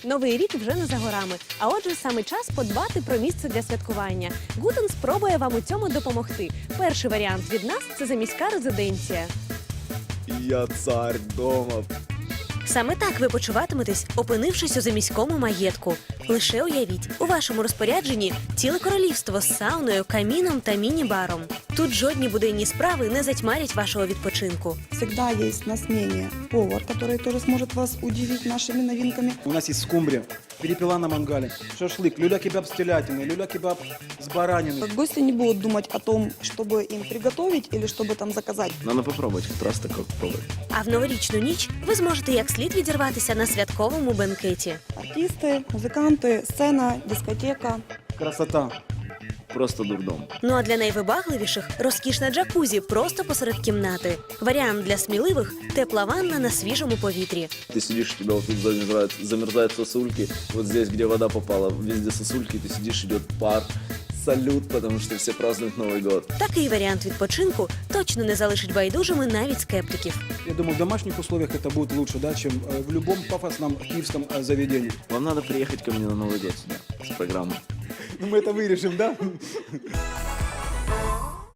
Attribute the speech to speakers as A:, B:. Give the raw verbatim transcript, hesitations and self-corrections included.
A: Новий рік вже не за горами, а отже, саме час подбати про місце для святкування. Гутен спробує вам у цьому допомогти. Перший варіант від нас – це заміська резиденція.
B: Я цар дома.
A: Саме так ви почуватиметесь, опинившись у заміському маєтку. Лише уявіть, у вашому розпорядженні ціле королівство з сауною, каміном та міні-баром. Тут жодні буденні справи не затьмарять вашого відпочинку.
C: Всегда есть на смене повар, который тоже сможет вас удивить нашими новинками.
D: У нас есть скумбрия, перепела на мангале, шашлык, люля-кебаб с телятиной, люля-кебаб с бараниной.
C: Гости не будут думать о том, чтобы им приготовить или чтобы там заказать.
B: Надо попробовать, хоть раз такое попробовать.
A: А в новорічну ніч ви зможете як слід відірватися на святковому бенкеті.
C: Артисты, музыканты, сцена, дискотека.
D: Красота.
B: Просто дурдом.
A: Ну а для найвибагливіших – розкішна джакузі просто посеред кімнати. Варіант для сміливих – тепла ванна на свіжому повітрі.
B: Ты сидишь, у тебя вот тут замерзают, замерзают сосульки. Вот здесь, где вода попала, везде сосульки. Ты сидишь, идет пар, салют, потому что все празднуют Новый год.
A: Такий варіант відпочинку точно не залишить байдужими навіть скептиків.
D: Я думаю, в домашних условиях это будет лучше, да, чем э, в любом пафосном киевском э, заведении.
B: Вам надо приехать ко мне на Новый год сюда с программой.
D: Ну, мы это вырежем, да?